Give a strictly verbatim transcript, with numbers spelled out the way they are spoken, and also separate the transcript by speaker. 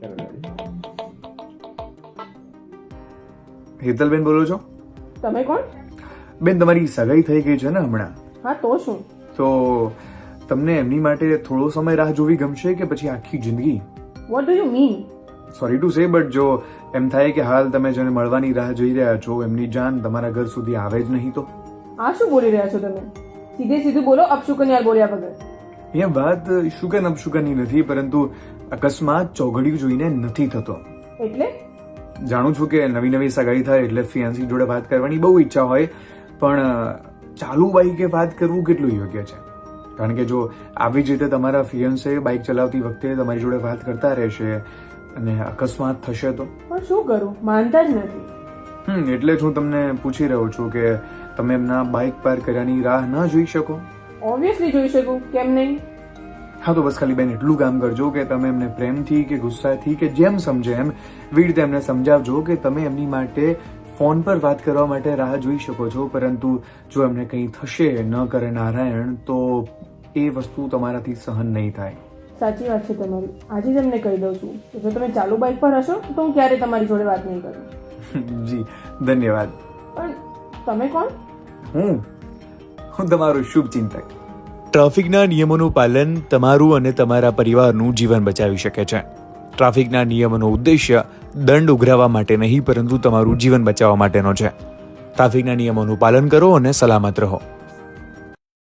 Speaker 1: હેતલબેન બોલો છો?
Speaker 2: તમે કોણ?
Speaker 1: બેન, તમારી સગાઈ થઈ ગઈ છે ને હમણાં?
Speaker 2: હા તો શું?
Speaker 1: તો તમને એમની માટે થોડો સમય રાહ જોવી ગમશે કે પછી આખી જિંદગી?
Speaker 2: What do you mean?
Speaker 1: Sorry to say, but જો એમ થાય કે હાલ તમે જેને મળવાની રાહ જોઈ રહ્યા છો એમની જાન તમારા ઘર સુધી આવે જ નહીં તો?
Speaker 2: આ શું બોલી રહ્યા છો તમે? સીધે સીધું બોલો, અપશુકન યાર બોલ્યા વગર.
Speaker 1: અહીંયા વાત શુકન અપશુકનની નથી, પરંતુ અકસ્માત ચોઘડિયું જોઈને નથી થતો.
Speaker 2: એટલે?
Speaker 1: જાણું છું કે નવી નવી સગાઈ થાય એટલે ફિયાન્સી જોડે વાત કરવાની બહુ ઈચ્છા હોય, પણ ચાલુ બાઈકે વાત કરવું કેટલું યોગ્ય છે? કારણ કે જો આવી જ રીતે તમારા ફિયાન્સે બાઇક ચલાવતી વખતે તમારી જોડે વાત કરતા રહેશે અને અકસ્માત થશે તો?
Speaker 2: પણ શું કરું, માનતા જ નથી.
Speaker 1: હમ એટલે જ હું તમને પૂછી રહ્યો છું કે તમે એમના બાઇક પાર કર્યાની રાહ ન જોઈ શકો?
Speaker 2: ઓબ્વિયસલી જોઈ શકું, કેમ નહીં?
Speaker 1: હા, તો બસ ખાલી બેન એટલું કામ કરજો કે તમે એમને પ્રેમથી કે ગુસ્સાથી કે જેમ સમજે એમ એવી રીતે એમને સમજાવજો કે તમે એમની માટે ફોન પર વાત કરવા માટે રાહ જોઈ શકો છો, પરંતુ જો એમને કંઈ થશે ન કરે નારાયણ તો એ વસ્તુ તમારાથી સહન નહીં થાય.
Speaker 2: સાચી વાત છે તમારી. આજે જ એમને કહી દઉં છું કે જો તમે ચાલુ બાઇક પર હશો તો હું ક્યારે તમારી જોડે વાત નહીં કરું.
Speaker 1: જી ધન્યવાદ.
Speaker 2: પણ તમે કોણ?
Speaker 1: હું હું તમારો શુભ ચિંતક.
Speaker 3: ટ્રાફિકના નિયમોનું પાલન તમારું અને તમારા પરિવારનું જીવન બચાવી શકે છે. ટ્રાફિકના નિયમોનો ઉદ્દેશ્ય દંડ ઉઘરાવવા માટે નહીં, પરંતુ તમારું જીવન બચાવવા માટેનો છે. ટ્રાફિકના નિયમોનું પાલન કરો અને સલામત રહો.